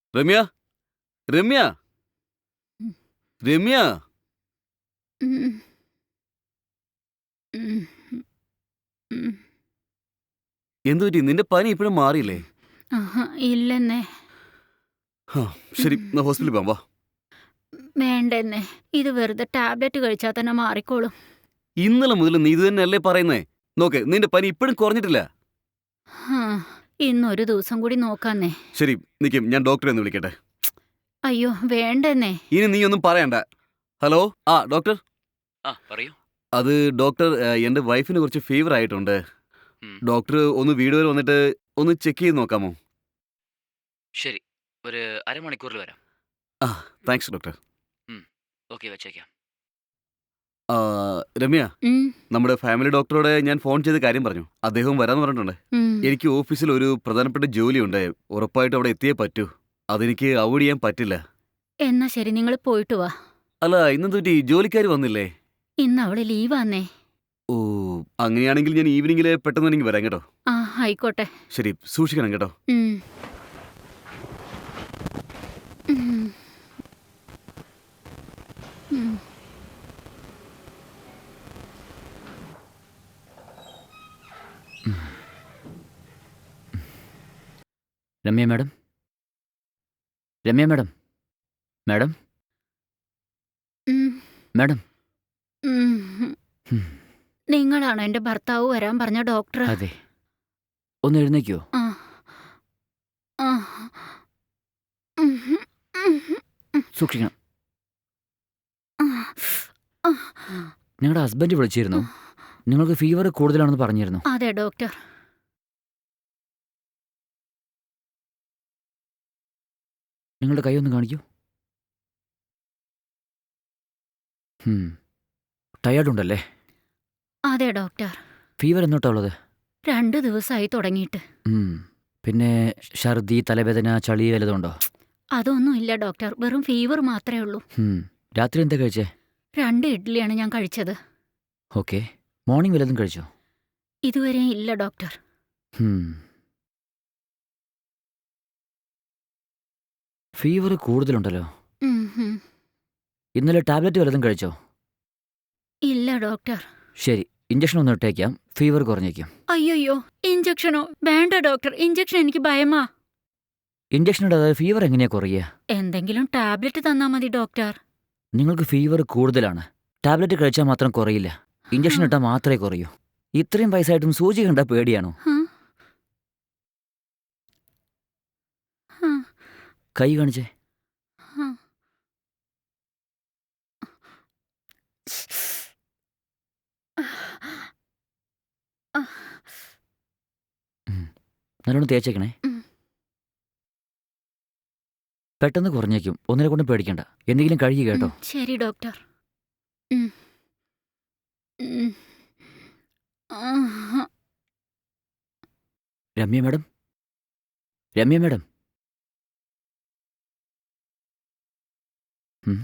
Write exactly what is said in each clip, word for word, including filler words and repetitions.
രമ്യ രമ്യ ഉം. രമ്യ ഉം. ഉം. ഉം. എന്തുപറ്റി? നിന്റെ പനി ഇപ്പോഴും മാറിയില്ലേ? ആഹാ, ഇല്ലെന്നേ. ഹാ, ശരി, എന്നാ ഹോസ്പിറ്റലിൽ പോകാം, വാ. വേണ്ടെന്നേ. ഇത് വെറുതെ ടാബ്ലറ്റ് കഴിച്ചാൽ തന്നെ മാറിക്കോളും. ഇന്നലെ മുതൽ നീ ഇത് തന്നെയല്ലേ പറയുന്നേ? നോക്ക്, നിന്റെ പനി ഇപ്പോഴും കുറഞ്ഞിട്ടില്ല. ഹാ, ഇന്നൊരു ദിവസം കൂടി നോക്കാന്നേ. ശരി, നിൽക്കും, ഞാൻ ഡോക്ടറെ ഒന്ന് വിളിക്കട്ടെ. അയ്യോ, വേണ്ടെന്നേ. ഇനി നീ ഒന്നും പറയണ്ട. ഹലോ, ആ ഡോക്ടർ. ആ പറയൂ. അത് ഡോക്ടർ, ഏഹ്, എൻ്റെ വൈഫിന് കുറച്ച് ഫീവർ ആയിട്ടുണ്ട്. ഉം. ഡോക്ടർ ഒന്ന് വീട് വരെ വന്നിട്ട് ഒന്ന് ചെക്ക് ചെയ്ത് നോക്കാമോ? ശരി, ഒരു അരമണിക്കൂറിൽ വരാം. ആ, താങ്ക്സ് ഡോക്ടർ. ഓക്കെ, വെച്ചേക്കാം. ആ, രമ്യ, ഉം. നമ്മുടെ ഫാമിലി ഡോക്ടറോട് ഞാൻ ഫോൺ ചെയ്ത് കാര്യം പറഞ്ഞു. അദ്ദേഹം വരാമെന്ന് പറഞ്ഞിട്ടുണ്ട്. ഉം. എനിക്ക് ഓഫീസിൽ ഒരു പ്രധാനപ്പെട്ട ജോലിയുണ്ട്. ഉറപ്പായിട്ടും അവിടെ എത്തിയേ പറ്റൂ. അതെനിക്ക് അവോയ്ഡ് ചെയ്യാൻ പറ്റില്ല. എന്നാ ശരി, നിങ്ങൾ പോയിട്ട് വാ. അല്ല, ഇന്നെന്ത് പറ്റി? ജോലിക്കാർ വന്നില്ലേ? ഇന്ന് അവള് ലീവാന്നേ. ഓ, അങ്ങനെയാണെങ്കിൽ ഞാൻ ഈവനിങ്ങിൽ പെട്ടെന്ന് എനിക്ക് വരാം കേട്ടോ. ആ, ആയിക്കോട്ടെ. ശരി, സൂക്ഷിക്കണം കേട്ടോ. ഉം. ഉം. ഉം. Ramya madam, Ramya madam, madam, ഉം. മാഡം. ഉം. ഉം. നിങ്ങളാണോ എന്റെ ഭർത്താവ് വരാൻ പറഞ്ഞ ഡോക്ടർ? അതെ, ഒന്ന് എഴുന്നേക്കോ? ആ. ആ. ഉം. ഉം. സൂക്ഷിക്കണം. ആ. ആ. നിങ്ങളുടെ ഹസ്ബൻഡ് വിളിച്ചിരുന്നു. നിങ്ങൾക്ക് ഫീവർ കൂടുതലാണെന്ന് പറഞ്ഞിരുന്നു. അതെ ഡോക്ടർ. നിങ്ങളുടെ കൈ ഒന്ന് കാണിക്കൂ. ടയേർഡ് ഉണ്ടല്ലേ? അതെ ഡോക്ടർ. ഫീവർ എന്നോട്ടാ ഉള്ളത്? രണ്ട് ദിവസമായി തുടങ്ങിയിട്ട്. ഉം. പിന്നെ ഛർദി, തലവേദന, ചളി വല്ലതുണ്ടോ? അതൊന്നും ഇല്ല ഡോക്ടർ, വെറും ഫീവർ മാത്രമേ ഉള്ളൂ. ഉം. രാത്രി എന്താ കഴിച്ചേ? രണ്ട് ഇഡ്ഡലിയാണ് ഞാൻ കഴിച്ചത്. ഓക്കെ. മോർണിംഗ് വല്ലതും കഴിച്ചോ? ഇതുവരെ ഇല്ല ഡോക്ടർ. ഉം. ഫീവർ കൂടുതലുണ്ടല്ലോ. ഉം, ഉം. ഇന്നലെ ടാബ്ലറ്റ് വല്ലതും കഴിച്ചോ? ഇല്ല ഡോക്ടർ. ശരി, ഇഞ്ചക്ഷൻ ഒന്ന് ഇട്ടേക്കാം, ഫീവർ കുറഞ്ഞേക്കും. അയ്യോയ്യോ, ഇഞ്ചക്ഷനോ? വേണ്ട ഡോക്ടർ, ഇഞ്ചക്ഷൻ എനിക്ക് ഭയമാ. ഇഞ്ചക്ഷൻ ഇടാതെ ഫീവർ എങ്ങനെയാ കുറയുക? എന്തെങ്കിലും ടാബ്ലറ്റ് തന്നാ മതി ഡോക്ടർ. നിങ്ങൾക്ക് ഫീവർ കൂടുതലാണ്. ടാബ്ലറ്റ് കഴിച്ചാൽ മാത്രം കുറയില്ല. ഇഞ്ചക്ഷൻ ഇട്ടാൽ മാത്രമേ കുറയൂ. ഇത്രയും വയസ്സായിട്ടും സൂചി കണ്ടാൽ പേടിയാണോ? ഹ? ഹ, കൈ കാണിച്ചേ. ഹ. ഉം. നല്ലോണം തേച്ചേക്കണേ. ഉം. പെട്ടെന്ന് കുറഞ്ഞേക്കും, ഒന്നിനെ കൊണ്ടും പേടിക്കണ്ട. എന്തെങ്കിലും കഴുകി കേട്ടോ. ഉം, ശരി ഡോക്ടർ. ഉം. ഉം. ആഹ്. Ramya madam, Ramya madam. ഉം.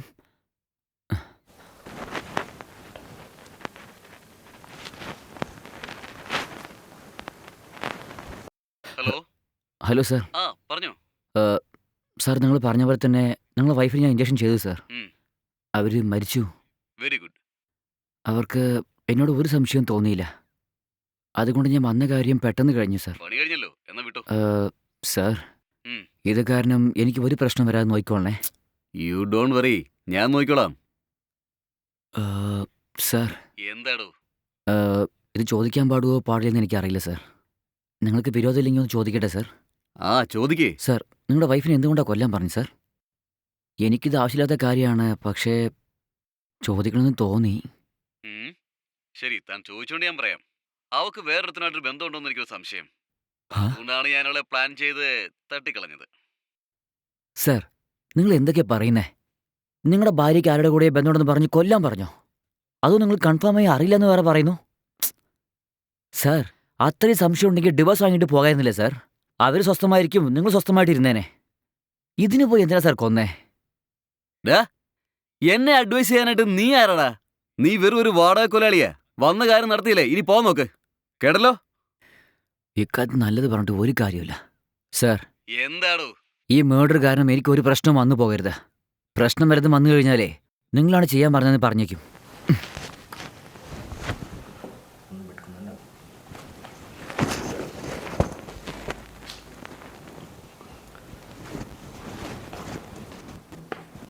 ഹലോ. Hello sir. ആ, പറഞ്ഞോ. സാർ, നിങ്ങൾ പറഞ്ഞ പോലെ തന്നെ നിങ്ങളുടെ വൈഫിന് ഞാൻ ഇഞ്ചക്ഷൻ ചെയ്തു സാർ. ഉം. അവർ മരിച്ചു. Very good. അവർക്ക് എന്നോട് ഒരു സംശയവും തോന്നിയില്ല. അതുകൊണ്ട് ഞാൻ വന്ന കാര്യം പെട്ടെന്ന് കഴിഞ്ഞു സാർ. പണി കഴിഞ്ഞല്ലോ, എന്നാ വിട്ടോ. ഏഹ്, സാർ, ഉം. ഇത് കാരണം എനിക്ക് ഒരു പ്രശ്നം വരാതെ നോക്കിക്കോളണേ. യു ഡോണ്ട് വറി, ഞാൻ നോക്കിക്കോളാം. ഏഹ്, സാർ, എന്താടോ? ഏഹ്, ഇത് ചോദിക്കാൻ പാടുവോ പാടില്ലെന്ന് എനിക്കറിയില്ല സാർ. നിങ്ങൾക്ക് വിരോധമില്ലെങ്കിൽ ഒന്ന് ചോദിക്കട്ടെ സാർ. ആ, ചോദിക്കേ. സാർ, നിങ്ങളുടെ വൈഫിനെ എന്തുകൊണ്ടാണ് കൊല്ലാൻ പറഞ്ഞു സാർ? എനിക്കിത് ആവശ്യമില്ലാത്ത കാര്യമാണ്, പക്ഷേ ചോദിക്കണമെന്ന് തോന്നി. ഉം. ശരി, താൻ ചോദിച്ചോണ്ട് ഞാൻ പറയാം. അവക്ക് വേറൊരുത്തനായിട്ടൊരു ബന്ധമുണ്ടോന്ന് എനിക്കൊരു സംശയം. ആ? അതുകൊണ്ടാണ് ഞാൻ അവളെ പ്ലാൻ ചെയ്ത് തട്ടിക്കളഞ്ഞത്. സാർ, നിങ്ങൾ എന്തൊക്കെയാ പറയുന്നേ? നിങ്ങളുടെ ഭാര്യയ്ക്ക് ആരുടെ കൂടെ ബന്ധമുണ്ടെന്ന് പറഞ്ഞ് കൊല്ലാൻ പറഞ്ഞോ? അതോ നിങ്ങൾ കൺഫേമായി അറിയില്ലെന്ന് വേറെ പറയുന്നു? സാർ, അത്രയും സംശയം ഉണ്ടെങ്കിൽ ഡിവോഴ്സ് വാങ്ങിയിട്ട് പോകായിരുന്നില്ലേ സാർ? അവർ സ്വസ്ഥമായിരിക്കും, നിങ്ങൾ സ്വസ്ഥമായിട്ട് ഇരുന്നേനെ. ഇതിന് പോയി എന്തിനാ സാർ കൊന്നേ? ഡാ, എന്നെ അഡ്വൈസ് ചെയ്യാനായിട്ട് നീ ആരാടാ? നീ വെറും ഒരു വാടക കൊലാളിയാ. വന്ന കാര്യം നടത്തിയില്ലേ, ഇനി പോ നോക്ക്. കേട്ടല്ലോ? ഇക്കാര്യത്തിൽ നല്ലത് പറഞ്ഞിട്ട് ഒരു കാര്യമില്ല സാർ. എന്താടോ? ഈ മേർഡർ കാരണം എനിക്ക് ഒരു പ്രശ്നവും വന്നു പോകരുത്. പ്രശ്നം വരുന്നത് വന്നു കഴിഞ്ഞാലേ നിങ്ങളാണ് ചെയ്യാൻ പറഞ്ഞതെന്ന് പറഞ്ഞേക്കും.